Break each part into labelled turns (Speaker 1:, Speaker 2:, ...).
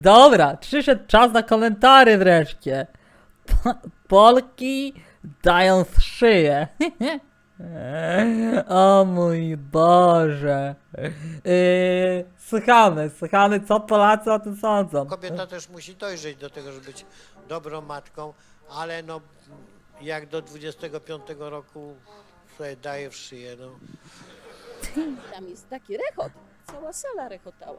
Speaker 1: Dobra, przyszedł czas na komentarze wreszcie. Polki dają z szyję. O mój Boże. Słuchamy, co Polacy o tym sądzą.
Speaker 2: Kobieta też musi dojrzeć do tego, żeby być dobrą matką, ale no jak do 25 roku sobie daje w szyję, no.
Speaker 3: Tam jest taki rechot, cała sala rechotała.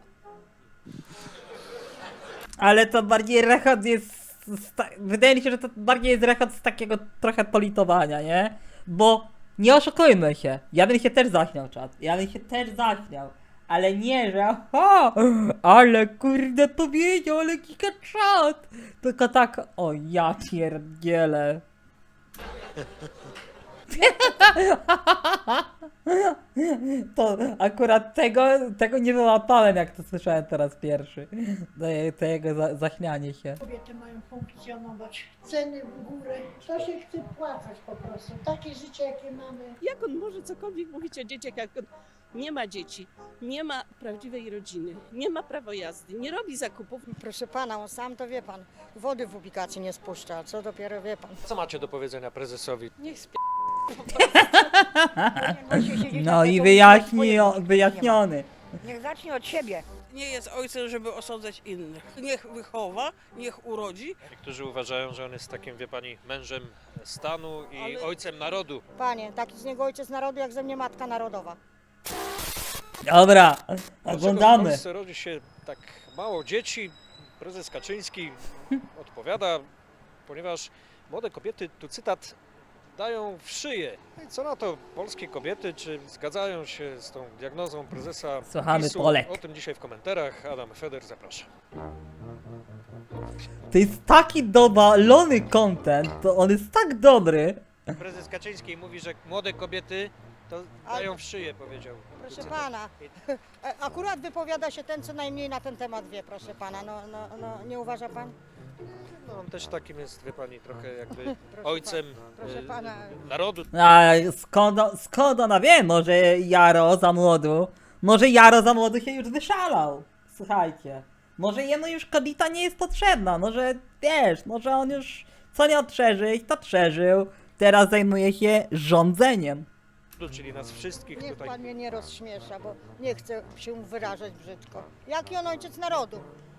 Speaker 1: Ale to bardziej rechot jest... Wydaje mi się, że to bardziej jest rechot z takiego trochę politowania, nie? Bo nie oszukujmy się, ja bym się też zaśmiał, czat. Ja bym się też zaśmiał. Ale nie, że o, ale kurde powiedział, ale giga czat. Tylko tak, o ja pierdzielę. To akurat tego nie wyłapałem, jak to słyszałem teraz pierwszy. Tego zaśmianie się.
Speaker 4: Kobiety mają funkcjonować, ceny w górę, to się chce płacać po prostu, takie życie jakie mamy.
Speaker 3: Jak on może cokolwiek mówić o dzieciach, jak on nie ma dzieci, nie ma prawdziwej rodziny, nie ma prawa jazdy, nie robi zakupów.
Speaker 5: Proszę pana, on sam to wie pan, wody w ubikacji nie spuszcza, co dopiero wie pan.
Speaker 6: Co macie do powiedzenia prezesowi?
Speaker 3: Niech sp...
Speaker 1: No i wyjaśniony.
Speaker 5: Niech zacznie od siebie.
Speaker 7: Nie jest ojcem, żeby osądzać innych. Niech wychowa, niech urodzi.
Speaker 6: Niektórzy uważają, że on jest takim, wie pani, mężem stanu i
Speaker 7: Ale-
Speaker 6: ojcem narodu.
Speaker 5: Panie, taki z niego ojciec narodu, jak ze mnie matka narodowa.
Speaker 1: Dobra,
Speaker 6: Dlaczego w
Speaker 1: oglądamy.
Speaker 6: Polsce rodzi się tak mało dzieci? Prezes Kaczyński odpowiada, ponieważ młode kobiety, tu cytat, dają w szyję. I co na to polskie kobiety, czy zgadzają się z tą diagnozą prezesa
Speaker 1: Słuchamy
Speaker 6: PiS-u?
Speaker 1: Polek.
Speaker 6: O tym dzisiaj w komentarzach. Adam Feder, zapraszam.
Speaker 1: To jest taki dowalony content, to on jest tak dobry.
Speaker 6: Prezes Kaczyński mówi, że młode kobiety to dają w szyję, powiedział.
Speaker 5: Proszę
Speaker 6: Cytat.
Speaker 5: pana, akurat wypowiada się ten, co najmniej na ten temat wie, proszę pana. No, nie uważa pan?
Speaker 6: No on też takim jest, wie pani, trochę jakby
Speaker 5: Proszę
Speaker 6: ojcem
Speaker 5: proszę pana.
Speaker 6: narodu.
Speaker 1: A skąd ona wie? Może Jaro za młodu się już wyszalał. Słuchajcie. Może jemu już kobieta nie jest potrzebna. Może wiesz, może on już co nie przeżyć, to przeżył. Teraz zajmuje się rządzeniem.
Speaker 6: Czyli nas wszystkich
Speaker 5: Niech
Speaker 6: tutaj.
Speaker 5: pan mnie nie rozśmiesza, bo nie chcę się wyrażać brzydko. Jaki on ojciec narodu?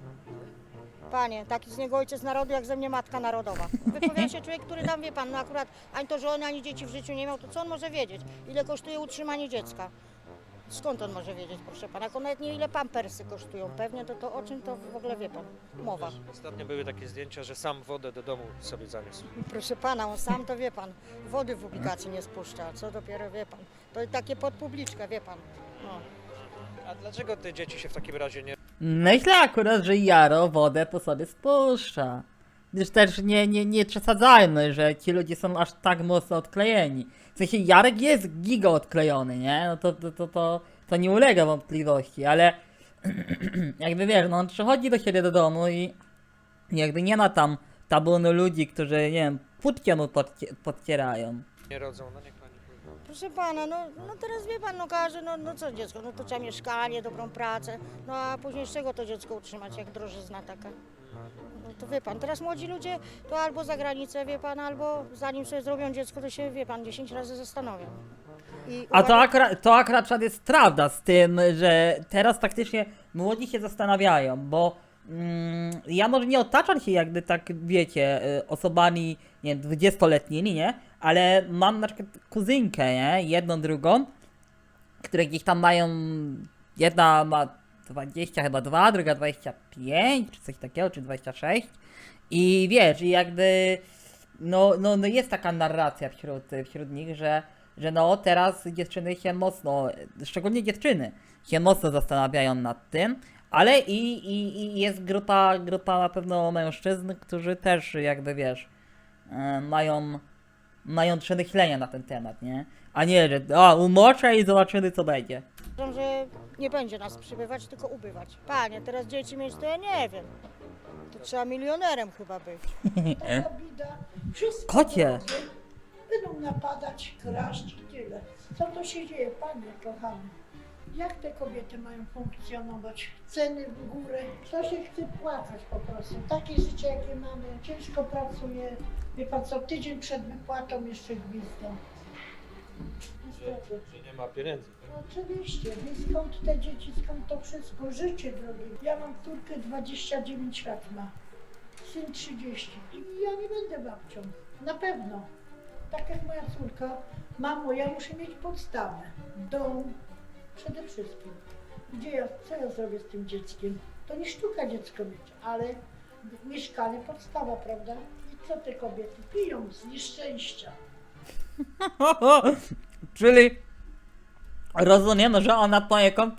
Speaker 5: Panie, taki z niego ojciec narodu, jak ze mnie matka narodowa. Wypowiada się człowiek, który tam, wie pan, no akurat ani to żony, ani dzieci w życiu nie miał, to co on może wiedzieć? Ile kosztuje utrzymanie dziecka? Skąd on może wiedzieć, proszę pana? Jak on nawet nie wie, ile pampersy kosztują pewnie, to o czym to w ogóle wie pan? Mowa.
Speaker 6: Ostatnio były takie zdjęcia, że sam wodę do domu sobie zaniósł.
Speaker 5: Proszę pana, on sam to wie pan, wody w ubikacji nie spuszcza, co dopiero wie pan. To takie pod publiczkę, wie pan. No.
Speaker 6: A dlaczego te dzieci się w takim razie nie
Speaker 1: Myślę akurat, że Jaro wodę po sobie spuszcza. Gdyż też nie przesadzajmy, że ci ludzie są aż tak mocno odklejeni. W sensie Jarek jest giga odklejony, nie? No to nie ulega wątpliwości, ale jakby wiesz, no on przychodzi do siebie do domu i jakby nie ma tam tabunu ludzi, którzy, nie wiem, płótkiem mu podcierają.
Speaker 6: rodzą? No niech pani powie.
Speaker 5: Proszę pana, no teraz wie pan, no każe, no co dziecko, no to trzeba mieszkanie, dobrą pracę, no a później z czego to dziecko utrzymać, jak drożyzna taka? No to wie pan, teraz młodzi ludzie to albo za granicę, wie pan, albo zanim sobie zrobią dziecko, to się, wie pan, 10 razy zastanowią. I
Speaker 1: A
Speaker 5: uważam-
Speaker 1: to akurat jest prawda z tym, że teraz faktycznie młodzi się zastanawiają, bo ja może nie otaczam się jakby tak, wiecie, osobami, nie wiem, 20-letnimi, nie? Ale mam na przykład kuzynkę, nie? Jedną, drugą, które gdzieś tam mają, jedna ma 20 chyba 2, druga 25, czy coś takiego, czy 26. I wiesz, i jakby, no jest taka narracja wśród nich, że no teraz dziewczyny się mocno, szczególnie dziewczyny, się mocno zastanawiają nad tym, ale i jest grupa na pewno mężczyzn, którzy też jakby wiesz, mają przemyślenia na ten temat, nie? A nie, że umoczę i zobaczymy co będzie.
Speaker 5: Uważam, że nie będzie nas przybywać, tylko ubywać. Panie, teraz dzieci mieć to ja nie wiem. To trzeba milionerem chyba być.
Speaker 4: Taka bida, wszystko
Speaker 1: Kocie.
Speaker 4: wrogie, będą napadać, kraść i tyle. Co to się dzieje, panie kochany? Jak te kobiety mają funkcjonować? Ceny w górę, to się chce płacać po prostu. Takie życie jakie mamy, ciężko pracuję. Wie pan co, tydzień przed wypłatą jeszcze gwizdą. Niestety.
Speaker 6: Że nie ma pieniędzy.
Speaker 4: No oczywiście, więc skąd te dzieci, skąd to wszystko? Życie drogie. Ja mam córkę 29 lat ma, syn 30 i ja nie będę babcią, na pewno. Tak jak moja córka, mamo, ja muszę mieć podstawę, dom, przede wszystkim. Co ja zrobię z tym dzieckiem? To nie sztuka dziecko mieć, ale mieszkanie podstawa, prawda? I co te kobiety piją z nieszczęścia?
Speaker 1: Czyli rozumiem, że ona poniekąd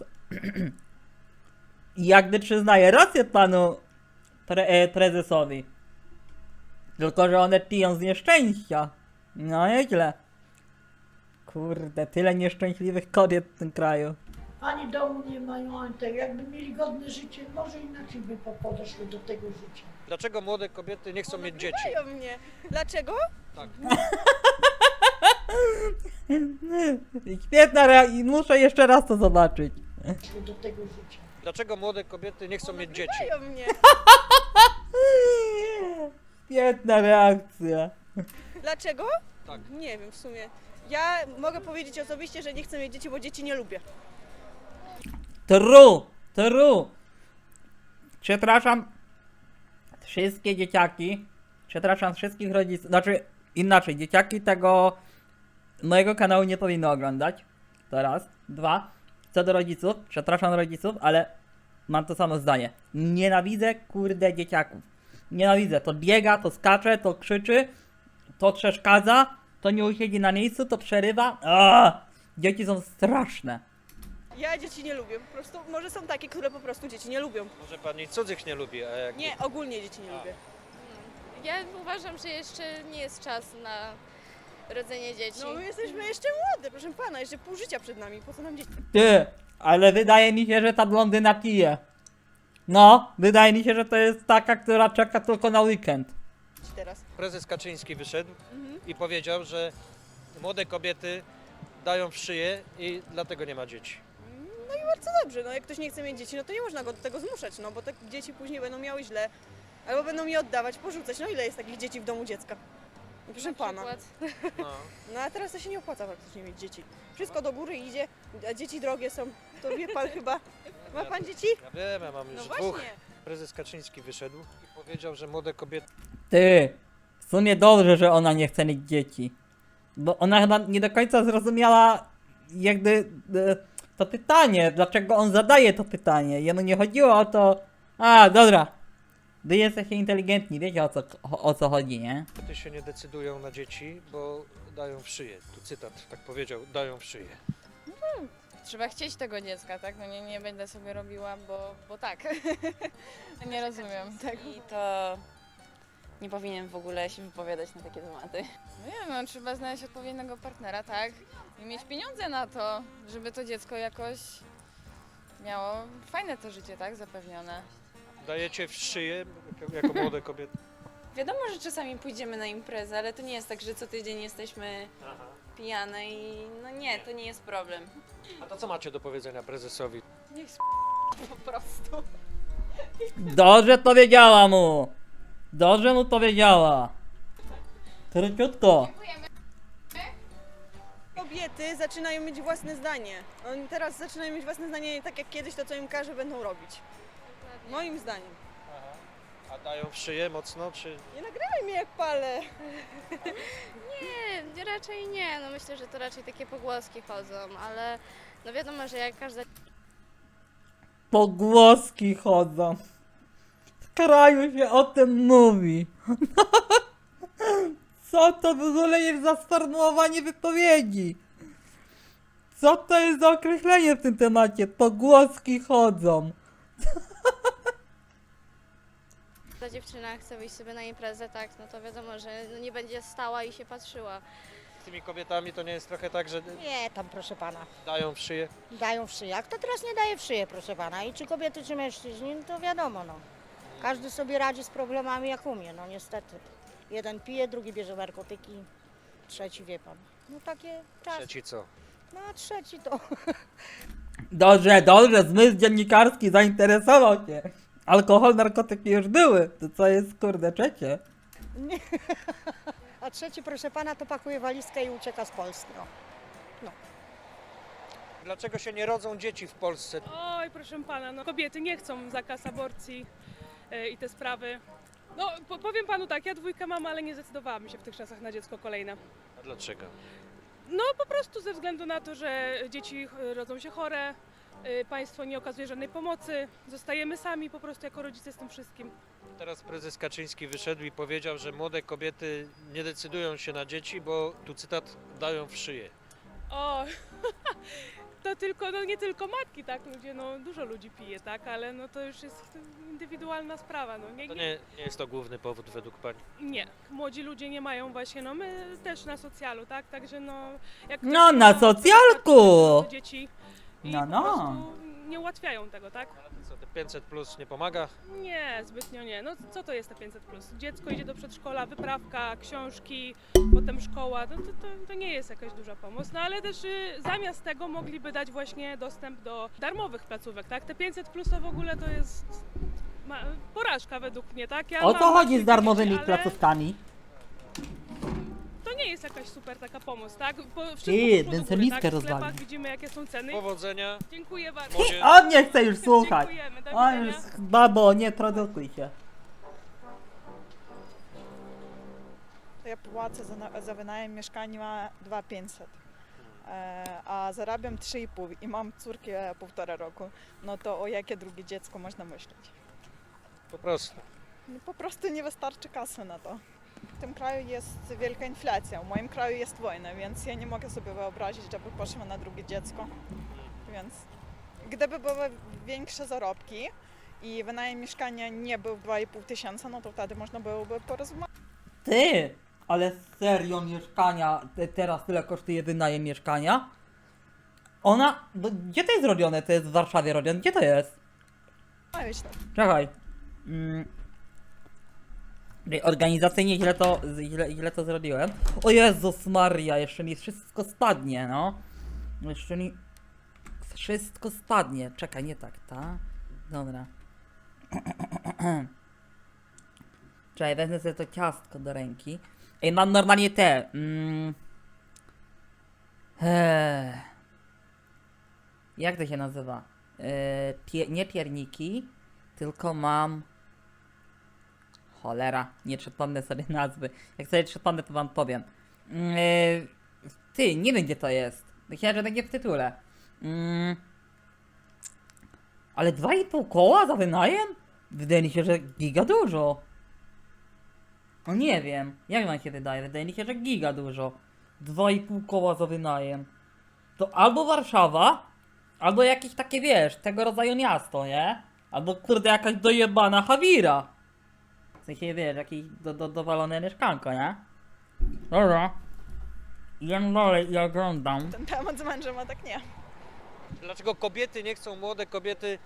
Speaker 1: jakby przyznaje rację panu prezesowi. Tylko, że one piją z nieszczęścia. No nieźle. Kurde, tyle nieszczęśliwych kobiet w tym kraju.
Speaker 4: Ani domu nie mają, ani tego. Jakby mieli godne życie, może inaczej by podeszły do tego życia.
Speaker 6: Dlaczego młode kobiety nie chcą mieć dzieci?
Speaker 5: Nagrywają mnie. Dlaczego?
Speaker 6: Tak.
Speaker 1: Świetna reakcja, muszę jeszcze raz to zobaczyć.
Speaker 4: Podeszły do tego życia.
Speaker 6: Dlaczego młode kobiety nie chcą mieć dzieci?
Speaker 5: Nagrywają mnie.
Speaker 1: Świetna reakcja.
Speaker 5: Dlaczego?
Speaker 6: Tak.
Speaker 5: Nie wiem w sumie. Ja mogę powiedzieć osobiście, że nie chcę mieć dzieci, bo dzieci nie lubię.
Speaker 1: True. Przepraszam wszystkie dzieciaki, przepraszam wszystkich rodziców, znaczy inaczej, dzieciaki tego mojego kanału nie powinny oglądać, to raz. Dwa, co do rodziców, przepraszam rodziców, ale mam to samo zdanie. Nienawidzę kurde dzieciaków. Nienawidzę, to biega, to skacze, to krzyczy, to przeszkadza, to nie usiedzi na miejscu, to przerywa. Dzieci są straszne.
Speaker 5: Ja dzieci nie lubię. Po prostu może są takie, które po prostu dzieci nie lubią.
Speaker 6: Może pani cudzych nie lubi, a jak
Speaker 5: Nie, ogólnie dzieci nie lubię.
Speaker 8: Ja uważam, że jeszcze nie jest czas na rodzenie dzieci.
Speaker 5: No my jesteśmy jeszcze młode, proszę pana, jeszcze pół życia przed nami, po co nam dzieci?
Speaker 1: Ty, ale wydaje mi się, że ta blondyna pije. No, wydaje mi się, że to jest taka, która czeka tylko na weekend.
Speaker 5: Teraz.
Speaker 6: prezes Kaczyński wyszedł i powiedział, że młode kobiety dają w szyję i dlatego nie ma dzieci.
Speaker 5: No i bardzo dobrze, no jak ktoś nie chce mieć dzieci, no to nie można go do tego zmuszać, no bo te dzieci później będą miały źle, albo będą je oddawać, porzucać. No ile jest takich dzieci w domu dziecka? No, proszę
Speaker 8: Na
Speaker 5: pana.
Speaker 8: przykład.
Speaker 6: No.
Speaker 5: No a teraz to się nie opłaca praktycznie mieć dzieci. Wszystko do góry idzie, a dzieci drogie są. To wie pan chyba. Ma pan dzieci?
Speaker 6: Ja wiem, ja mam
Speaker 5: No
Speaker 6: już
Speaker 5: właśnie.
Speaker 6: dwóch. Prezes Kaczyński wyszedł i powiedział, że młode kobiety
Speaker 1: Ty, w sumie dobrze, że ona nie chce mieć dzieci. Bo ona chyba nie do końca zrozumiała jakby to pytanie, dlaczego on zadaje to pytanie. Jemu nie chodziło o to... Dobra. Wy jesteście inteligentni, wiecie o co chodzi, nie?
Speaker 6: się nie decydują na dzieci, bo dają w szyję. Tu cytat, tak powiedział, dają w szyję.
Speaker 8: Trzeba chcieć tego dziecka, tak? No nie będę sobie robiła, bo tak. Nie rozumiem.
Speaker 9: I to nie powinien w ogóle się wypowiadać na takie tematy.
Speaker 8: No nie wiem, no, trzeba znaleźć odpowiedniego partnera, tak? I mieć pieniądze na to, żeby to dziecko jakoś miało fajne to życie, tak? Zapewnione.
Speaker 6: Dajecie w szyję jako młode kobiety.
Speaker 9: Wiadomo, że czasami pójdziemy na imprezę, ale to nie jest tak, że co tydzień jesteśmy pijane i no nie, to nie jest problem.
Speaker 6: A to co macie do powiedzenia prezesowi?
Speaker 8: Niech po prostu.
Speaker 1: Dobrze powiedziała mu! Dobrze mu powiedziała! Króciutko.
Speaker 5: Kobiety zaczynają mieć własne zdanie. Oni teraz zaczynają mieć własne zdanie nie tak jak kiedyś, to co im każe będą robić. Moim zdaniem.
Speaker 6: A dają w szyję mocno, czy...
Speaker 5: Nie nagrywaj mnie jak palę.
Speaker 8: Nie, raczej nie. No myślę, że to raczej takie pogłoski chodzą, ale no wiadomo, że jak każda
Speaker 1: Pogłoski chodzą. W kraju się o tym mówi. Co to w ogóle jest za sformułowanie wypowiedzi? Co to jest za określenie w tym temacie? Pogłoski chodzą.
Speaker 8: ta dziewczyna chce wyjść sobie na imprezę, tak, no to wiadomo, że no nie będzie stała i się patrzyła.
Speaker 6: Z tymi kobietami to nie jest trochę tak, że
Speaker 5: Nie, tam proszę pana.
Speaker 6: dają w szyję?
Speaker 5: Dają w szyję. A kto teraz nie daje w szyję, proszę pana? I czy kobiety, czy mężczyźni, no to wiadomo, no. Każdy sobie radzi z problemami jak umie, no niestety. Jeden pije, drugi bierze narkotyki, trzeci wie pan. No takie czasy.
Speaker 6: Trzeci co?
Speaker 5: No a trzeci to
Speaker 1: Dobrze, zmysł dziennikarski zainteresował się. Alkohol, narkotyki już były. To co jest, kurde, trzecie?
Speaker 5: Nie. A trzeci, proszę pana, to pakuje walizkę i ucieka z Polski. No.
Speaker 6: Dlaczego się nie rodzą dzieci w Polsce?
Speaker 10: Oj, proszę pana, no kobiety nie chcą zakaz aborcji i te sprawy. No, powiem panu tak, ja dwójkę mam, ale nie zdecydowałam się w tych czasach na dziecko kolejne.
Speaker 6: A dlaczego?
Speaker 10: No, po prostu ze względu na to, że dzieci rodzą się chore, państwo nie okazuje żadnej pomocy, zostajemy sami po prostu jako rodzice z tym wszystkim.
Speaker 6: Teraz prezes Kaczyński wyszedł i powiedział, że młode kobiety nie decydują się na dzieci, bo tu cytat dają w szyję.
Speaker 10: O, to tylko, no nie tylko matki, tak, ludzie, no dużo ludzi pije, tak, ale no to już jest indywidualna sprawa, no
Speaker 6: To nie jest to główny powód według pani.
Speaker 10: Nie, młodzi ludzie nie mają właśnie, no my też na socjalu, tak, także no... Jak
Speaker 1: No,
Speaker 10: ktoś
Speaker 1: na
Speaker 10: ma
Speaker 1: socjalku!
Speaker 10: dzieci i
Speaker 1: No,
Speaker 10: po
Speaker 1: no.
Speaker 10: prostu nie ułatwiają tego, tak?
Speaker 6: Co, te 500 plus nie pomaga?
Speaker 10: Nie, zbytnio nie. No co to jest te 500+? Dziecko idzie do przedszkola, wyprawka, książki, potem szkoła, no to nie jest jakaś duża pomoc, no ale też zamiast tego mogliby dać właśnie dostęp do darmowych placówek, tak? Te 500+ to w ogóle to jest porażka według mnie, tak? Ja
Speaker 1: O
Speaker 10: mam
Speaker 1: co chodzi
Speaker 10: właśnie
Speaker 1: z darmowymi
Speaker 10: dzieci, ale
Speaker 1: placówkami?
Speaker 10: To nie jest jakaś super taka pomoc, tak? Wszystko
Speaker 1: Ty,
Speaker 10: poszło do góry,
Speaker 1: benzyniówkę
Speaker 10: tak? W
Speaker 1: rozwalił.
Speaker 10: sklepach widzimy jakie są ceny.
Speaker 6: Powodzenia.
Speaker 10: Dziękuję bardzo.
Speaker 6: Może-
Speaker 1: On nie chce już słuchać.
Speaker 10: Dziękujemy, do
Speaker 1: On
Speaker 10: widzenia.
Speaker 1: już, babo, nie produkuj się.
Speaker 11: Ja płacę za wynajem mieszkania 2500, a zarabiam 3,5 i mam córkę 1,5 roku. No to o jakie drugie dziecko można myśleć?
Speaker 6: Po prostu.
Speaker 11: No po prostu nie wystarczy kasy na to. W tym kraju jest wielka inflacja, w moim kraju jest wojna, więc ja nie mogę sobie wyobrazić, żeby poszła na drugie dziecko. Więc gdyby były większe zarobki i wynajem mieszkania nie był 2500, no to wtedy można byłoby porozmawiać.
Speaker 1: Ty, ale serio mieszkania, teraz tyle kosztuje wynajem mieszkania? Gdzie to jest robione? To jest w Warszawie robione? Gdzie to jest? Czekaj. Organizacyjnie źle to zrobiłem. O Jezus Maria, jeszcze mi wszystko spadnie, no. Jeszcze mi wszystko spadnie. Czekaj, nie tak, ta? Dobra. Czekaj, wezmę sobie to ciastko do ręki. Ej, mam normalnie te. Jak to się nazywa? Nie pierniki, tylko mam... Cholera, nie przypomnę sobie nazwy. Jak sobie przypomnę, to wam powiem. Ty, nie wiem gdzie to jest. Myślałem, że będzie w tytule. Ale 2,5 koła za wynajem? Wydaje mi się, że giga dużo. No nie wiem, jak wam się wydaje? Wydaje mi się, że giga dużo. 2,5 koła za wynajem. To albo Warszawa, albo jakieś takie, wiesz, tego rodzaju miasto, nie? Albo kurde jakaś dojebana Hawira. W sensie, wiesz, jakieś dowalone mieszkanko, nie? Dobra. Jem dalej i oglądam.
Speaker 11: Ten temat z mężem, a tak nie.
Speaker 6: Dlaczego kobiety nie chcą, młode kobiety,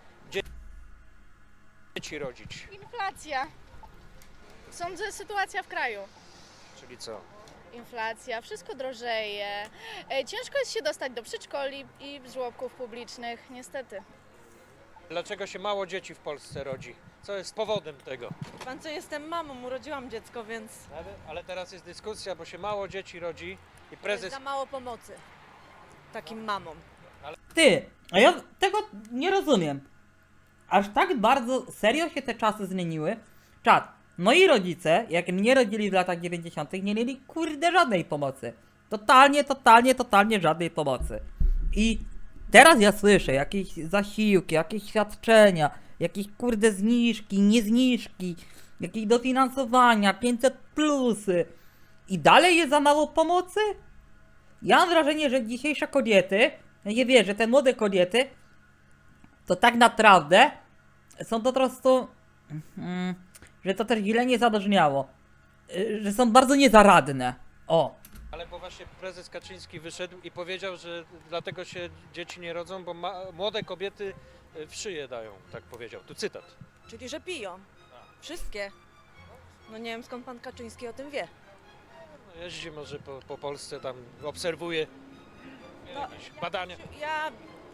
Speaker 6: dzieci rodzić?
Speaker 8: Inflacja. Sądzę, sytuacja w kraju.
Speaker 6: Czyli co?
Speaker 8: Inflacja, wszystko drożeje. Ciężko jest się dostać do przedszkoli i żłobków publicznych, niestety.
Speaker 6: Dlaczego się mało dzieci w Polsce rodzi? Co jest powodem tego?
Speaker 7: Pan co, jestem mamą, urodziłam dziecko, więc
Speaker 6: Ale teraz jest dyskusja, bo się mało dzieci rodzi i prezes...
Speaker 7: za mało pomocy takim mamom.
Speaker 1: Ty, a ja tego nie rozumiem. Aż tak bardzo serio się te czasy zmieniły? Czad, moi rodzice, jak mnie rodzili w latach 90., nie mieli kurde żadnej pomocy. Totalnie żadnej pomocy. I teraz ja słyszę jakieś zasiłki, jakieś świadczenia, jakieś kurde zniżki, niezniżki, jakieś dofinansowania, 500 plusy. I dalej jest za mało pomocy? Ja mam wrażenie, że dzisiejsze kobiety, nie wiem, że te młode kobiety, to tak naprawdę są po prostu, że to też źle nie zabrzmiało, że są bardzo niezaradne. O.
Speaker 6: Ale bo właśnie prezes Kaczyński wyszedł i powiedział, że dlatego się dzieci nie rodzą, bo młode kobiety w szyję dają, tak powiedział. Tu cytat.
Speaker 7: Czyli, że piją. Wszystkie. No nie wiem, skąd pan Kaczyński o tym wie.
Speaker 6: No, jeździ może po Polsce, tam obserwuje jakieś badania.
Speaker 7: Ja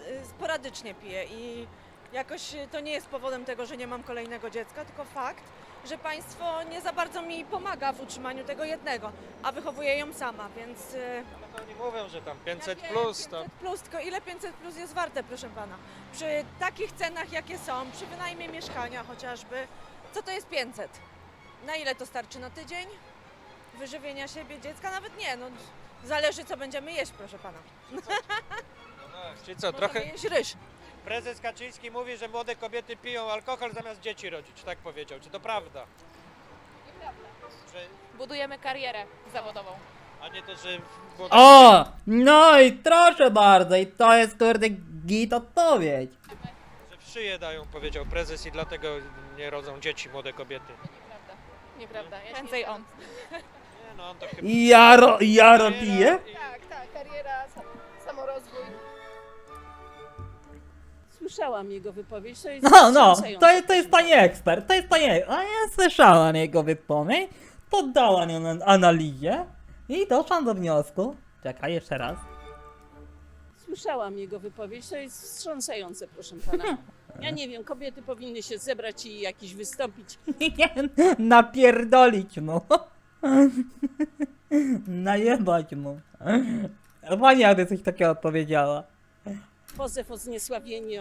Speaker 5: sporadycznie piję i jakoś to nie jest powodem tego, że nie mam kolejnego dziecka, tylko fakt, że państwo nie za bardzo mi pomaga w utrzymaniu tego jednego, a wychowuję ją sama, więc...
Speaker 6: No to oni mówią, że tam 500
Speaker 5: Ja wiem,
Speaker 6: plus, to
Speaker 5: 500 plus, tylko ile 500 plus jest warte, proszę pana? Przy takich cenach, jakie są, przy wynajmie mieszkania chociażby, co to jest 500? Na ile to starczy? Na tydzień? Wyżywienia siebie, dziecka? Nawet nie, no zależy co będziemy jeść, proszę pana.
Speaker 6: czyli co,
Speaker 5: Możemy
Speaker 6: trochę...
Speaker 5: jeść ryż.
Speaker 6: Prezes Kaczyński mówi, że młode kobiety piją alkohol zamiast dzieci rodzić, tak powiedział. Czy to prawda? Że,
Speaker 8: Budujemy karierę zawodową.
Speaker 6: a nie to, że...
Speaker 1: O! No i proszę bardzo, i to jest kurde git odpowiedź.
Speaker 6: Że w szyję dają, powiedział prezes i dlatego nie rodzą dzieci młode kobiety.
Speaker 8: Nieprawda. Prędzej on.
Speaker 6: Nie, no on to chyba...
Speaker 1: Jaro pije?
Speaker 8: Tak, kariera, samorozwój.
Speaker 3: Słyszałam jego wypowiedź, to jest
Speaker 1: No,
Speaker 3: wstrząsające.
Speaker 1: to jest pani ekspert, to jest pani ekspert. A ja słyszałam jego wypowiedź, poddałam ją analizie i doszłam do wniosku. Czekaj, jeszcze raz.
Speaker 3: Słyszałam jego wypowiedź, to jest wstrząsające, proszę pana. Ja nie wiem, kobiety powinny się zebrać i jakiś wystąpić.
Speaker 1: Nie, napierdolić mu. Najebać mu. Pani jakby coś takiego powiedziała.
Speaker 3: Pozew o zniesławienie,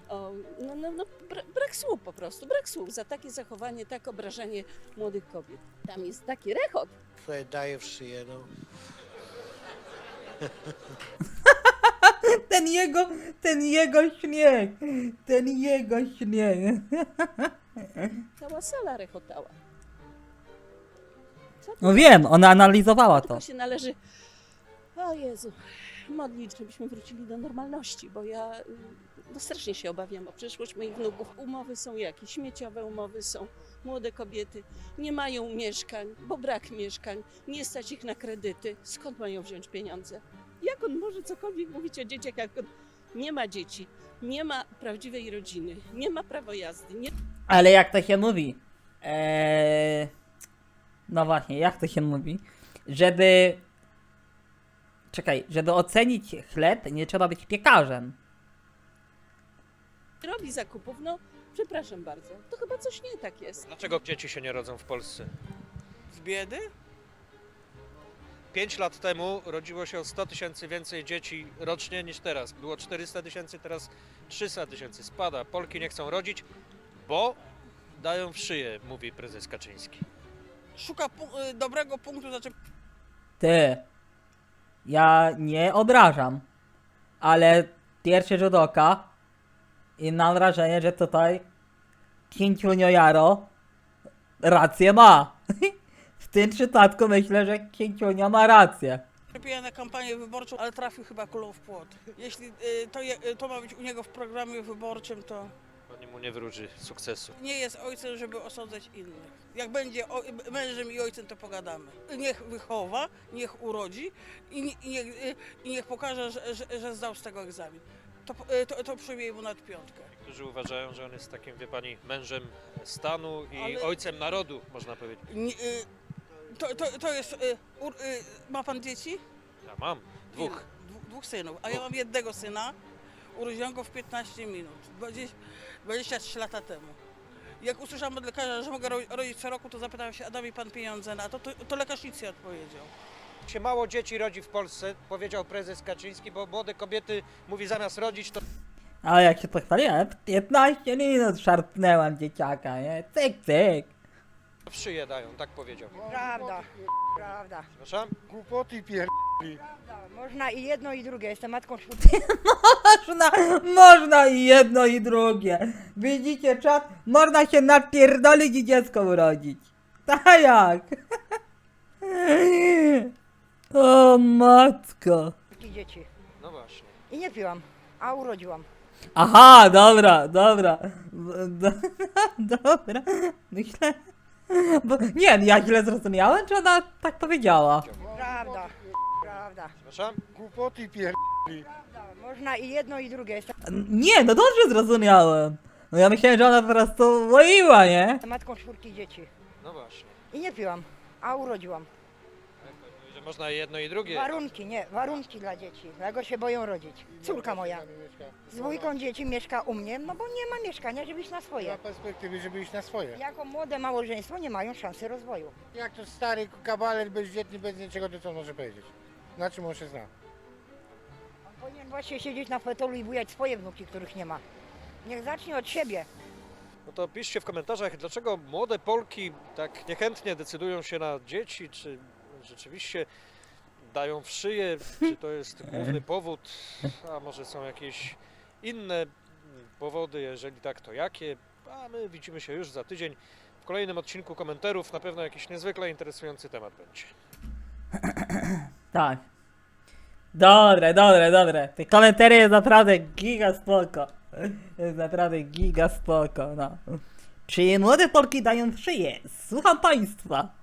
Speaker 3: brak słów po prostu, brak słów za takie zachowanie, tak obrażanie młodych kobiet. Tam jest taki rechot.
Speaker 2: Sobie daje w szyję, no.
Speaker 1: Ten jego śnieg. Ten jego śnieg.
Speaker 3: Cała sala rechotała.
Speaker 1: No wiem, ona analizowała to.
Speaker 3: Tylko się należy, o Jezu, modlić, żebyśmy wrócili do normalności, bo ja strasznie się obawiam o przyszłość moich wnuków. Umowy są jakieś, śmieciowe umowy są. Młode kobiety nie mają mieszkań, bo brak mieszkań, nie stać ich na kredyty. Skąd mają wziąć pieniądze? Jak on może cokolwiek mówić o dzieciach, jak on nie ma dzieci, nie ma prawdziwej rodziny, nie ma prawa jazdy, nie...
Speaker 1: Ale jak to się mówi? No właśnie, jak to się mówi? Żeby ocenić chleb, nie trzeba być piekarzem.
Speaker 3: robi zakupów, no przepraszam bardzo, to chyba coś nie tak jest.
Speaker 6: Dlaczego dzieci się nie rodzą w Polsce?
Speaker 7: Z biedy?
Speaker 6: 5 lat temu rodziło się o 100 000 więcej dzieci rocznie niż teraz. Było 400 000, teraz 300 000. Spada. Polki nie chcą rodzić, bo dają w szyję, mówi prezes Kaczyński.
Speaker 7: Szuka dobrego punktu, znaczy
Speaker 1: Ty, ja nie obrażam, ale pierwszy rzut oka i mam wrażenie, że tutaj Księciunio Jaro rację ma. W tym przypadku myślę, że Księciunio ma rację.
Speaker 7: pije na kampanię wyborczą, ale trafił chyba kulą w płot. Jeśli to ma być u niego w programie wyborczym, to
Speaker 6: Pani mu nie wróży sukcesu.
Speaker 7: nie jest ojcem, żeby osądzać innych. Jak będzie mężem i ojcem, to pogadamy. Niech wychowa, niech urodzi i niech pokaże, że zdał z tego egzamin. To przyjmie mu nad piątkę.
Speaker 6: Niektórzy uważają, że on jest takim, wie pani, mężem stanu i
Speaker 7: Ale-
Speaker 6: ojcem narodu, można powiedzieć.
Speaker 7: To jest... Ma pan dzieci?
Speaker 6: Ja mam dwóch.
Speaker 7: Dwóch synów, a ja mam jednego syna. Urodziłam go w 15 minut, 23 lata temu. Jak usłyszałam od lekarza, że mogę rodzić co roku, to zapytałem się, a da mi pan pieniądze na to? To lekarz nic nie odpowiedział.
Speaker 6: Się mało dzieci rodzi w Polsce, powiedział prezes Kaczyński, bo młode kobiety, mówi, zamiast rodzić, to
Speaker 1: Ale jak się pochwaliłem, 15 minut szarpnęłam dzieciaka, nie? Cyk, cyk.
Speaker 6: w szyję dają, tak powiedział.
Speaker 5: Prawda, prawda.
Speaker 6: Przepraszam?
Speaker 12: Głupoty pier...
Speaker 5: Można i jedno i drugie, jestem matką
Speaker 1: Można i jedno i drugie. Widzicie czat? Można się napierdolić i dziecko urodzić. Tak jak? O matko.
Speaker 5: dzieci.
Speaker 6: No właśnie.
Speaker 5: I nie piłam, a urodziłam.
Speaker 1: Aha, dobra. Dobra. Myślę... Nie, ja źle zrozumiałem, czy ona tak powiedziała?
Speaker 5: Prawda, prawda.
Speaker 6: Przepraszam?
Speaker 12: Głupoty pier...
Speaker 5: Można i jedno i drugie, jestem
Speaker 1: Nie, no dobrze zrozumiałem. No ja myślałem, że ona po prostu łoiła, nie?
Speaker 5: matką 4 dzieci.
Speaker 6: No właśnie.
Speaker 5: I nie piłam, a urodziłam.
Speaker 6: Że można jedno i drugie.
Speaker 5: Warunki dla dzieci, dlatego się boją rodzić. Córka moja z dwójką dzieci mieszka u mnie, no bo nie ma mieszkania, żeby iść na
Speaker 12: Nie ma
Speaker 5: swoje.
Speaker 12: perspektywy, żeby iść na swoje.
Speaker 5: Jako młode małżeństwo nie mają szansy rozwoju.
Speaker 12: Jak to stary kabalet bezdzietny, bez niczego, to co może powiedzieć? Na czym on się zna?
Speaker 5: On powinien właśnie siedzieć na fotelu i bujać swoje wnuki, których nie ma. Niech zacznie od siebie.
Speaker 6: No to piszcie w komentarzach, dlaczego młode Polki tak niechętnie decydują się na dzieci, czy rzeczywiście dają w szyję, czy to jest główny powód, a może są jakieś inne powody, jeżeli tak, to jakie? A my widzimy się już za tydzień w kolejnym odcinku komentarów, na pewno jakiś niezwykle interesujący temat będzie.
Speaker 1: Tak. Dobre. Te komentarze jest naprawdę giga spoko. Jest naprawdę giga spoko, no. Czy młode Polki dają w szyję? Słucham państwa.